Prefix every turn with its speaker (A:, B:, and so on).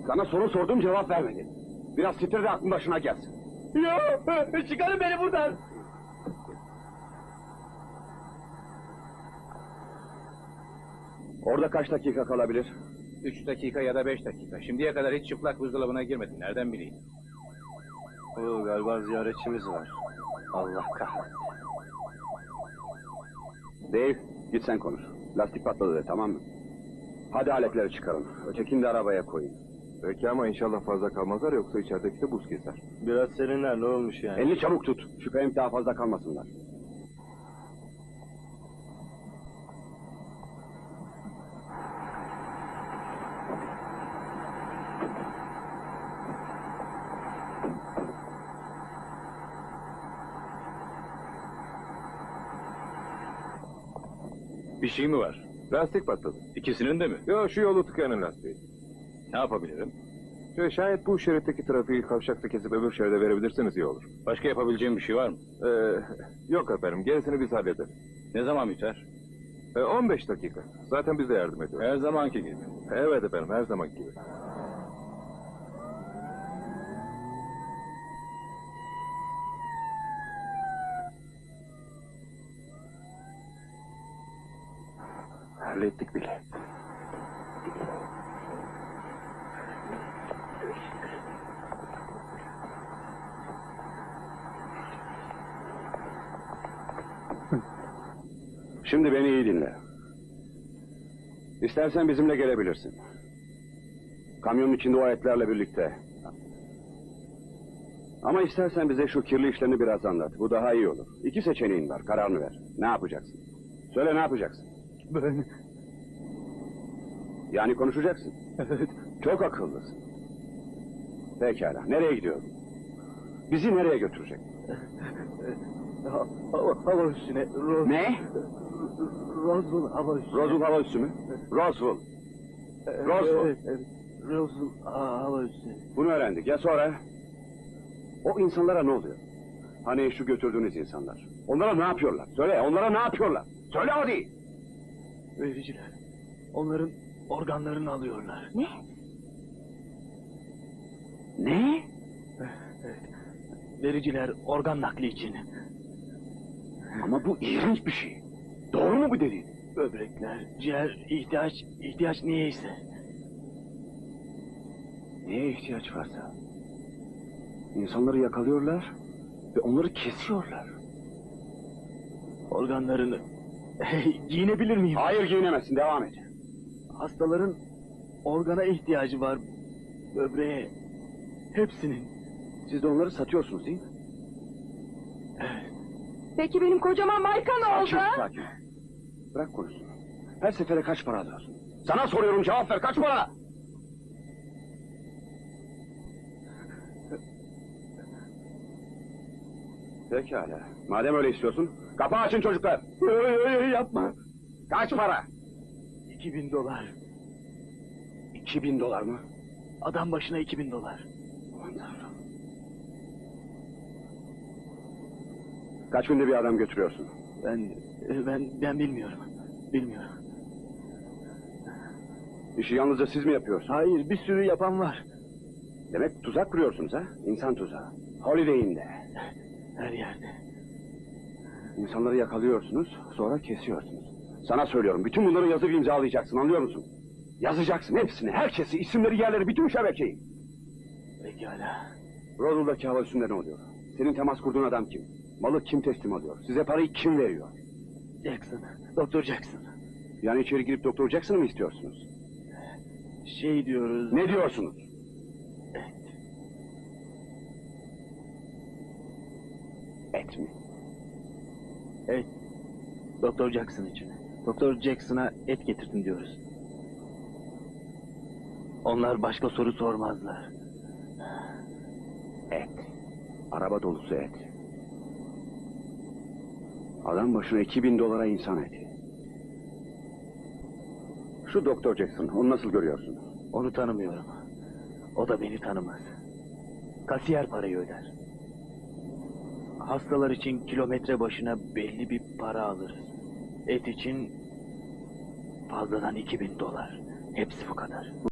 A: Sana soru sordum, cevap vermedin. Biraz titre de aklın başına gelsin.
B: Yok, çıkarın beni buradan.
A: Orada kaç dakika kalabilir?
C: 3 dakika ya da 5 dakika. Şimdiye kadar hiç çıplak buzdolabına girmedin. Nereden bileyim?
B: Galiba ziyaretçimiz var. Allah kahretsin.
A: Dave, git sen konuş. Lastik patladı de, tamam mı? Hadi aletleri çıkarın. Ötekini de arabaya koyun.
D: Peki ama inşallah fazla kalmazlar, yoksa içerideki de buz keser.
B: Biraz serinler, ne olmuş yani?
A: Elini çabuk tut. Şüphem daha fazla kalmasınlar.
C: Bir şey mi var?
D: Lastik patladı.
C: İkisinin de mi?
D: Yo, şu yolu tıkayanın lastiği.
C: Ne yapabilirim?
D: Şayet bu şeritteki trafiği kavşakta kesip öbür şeride verebilirseniz iyi olur.
C: Başka yapabileceğim bir şey var mı?
D: Yok efendim, gerisini biz hallederiz.
C: Ne zaman biter?
D: 15 dakika. Zaten biz de yardım ediyoruz.
C: Her zamanki gibi.
D: Evet efendim, her zaman gibi. Hallettik bile.
A: Şimdi beni iyi dinle. İstersen bizimle gelebilirsin. Kamyonun içinde o aletlerle birlikte. Ama istersen bize şu kirli işlerini biraz anlat. Bu daha iyi olur. 2 seçeneğin var, kararını ver. Ne yapacaksın? Söyle, ne yapacaksın?
B: Ben...
A: Yani konuşacaksın.
B: Evet.
A: Çok akıllısın. Pekala, nereye gidiyorsun? Bizi nereye götürecek?
B: Hava üstüne.
A: Ne?
B: Roswell hava üstüne.
A: Roswell hava üssü mü? Roswell. Roswell.
B: Evet. Roswell hava üstüne.
A: Bunu öğrendik. Ya sonra? O insanlara ne oluyor? Hani şu götürdüğünüz insanlar. Onlara ne yapıyorlar? Söyle, onlara ne yapıyorlar? Söyle hadi!
B: Vericiler. Onların organlarını alıyorlar.
A: Ne? Ne?
B: Evet. Vericiler organ nakli için.
A: Ama bu iğrenç bir şey. Doğru mu bu dediğin?
B: Böbrekler, ciğer, ihtiyaç niyeyse.
A: Neye ihtiyaç varsa. İnsanları yakalıyorlar ve onları kesiyorlar.
B: Organlarını giyinebilir miyim?
A: Hayır, giyinemezsin, devam et.
B: Hastaların organa ihtiyacı var. Böbreğe. Hepsinin.
A: Siz de onları satıyorsunuz değil mi?
B: Evet.
E: Peki benim kocaman marka ne oldu?
A: Sakin, sakin. Bırak konuşsun. Her sefere kaç para alıyorsun? Sana soruyorum, cevap ver, kaç para? Pekala. Madem öyle istiyorsun, kapağı açın çocuklar.
B: Yapma.
A: Kaç para?
B: $2000.
A: 2000 dolar mı?
B: Adam başına $2000.
A: Aman Tanrım. Kaç günde bir adam götürüyorsun?
B: Ben bilmiyorum. Bilmiyorum.
A: İşi yalnızca siz mi yapıyorsunuz?
B: Hayır, bir sürü yapan var.
A: Demek tuzak kuruyorsunuz ha? İnsan tuzağı. Holiday Inn'de.
B: Her yerde.
A: İnsanları yakalıyorsunuz, sonra kesiyorsunuz. Sana söylüyorum, bütün bunları yazıp imzalayacaksın, anlıyor musun? Yazacaksın hepsini, herkesi, isimleri, yerleri, bütün şebekeyi.
B: Pekala.
A: Roswell'daki hava üstünde ne oluyor? Senin temas kurduğun adam kim? Malı kim teslim alıyor? Size parayı kim veriyor?
B: Jackson. Doktor Jackson.
A: Yani içeri girip Doktor Jackson'ı mı istiyorsunuz?
B: Şey diyoruz...
A: Ne diyorsunuz? Et mi?
B: Evet. Doktor Jackson için. Doktor Jackson'a et getirdim diyoruz. Onlar başka soru sormazlar.
A: Et. Araba dolusu et. Adam başına 2000 dolara insan eti. Şu Doktor Jackson, onu nasıl görüyorsun?
B: Onu tanımıyorum. O da beni tanımaz. Kasiyer parayı öder. Hastalar için kilometre başına belli bir para alırız. Et için fazladan $2000. Hepsi bu kadar.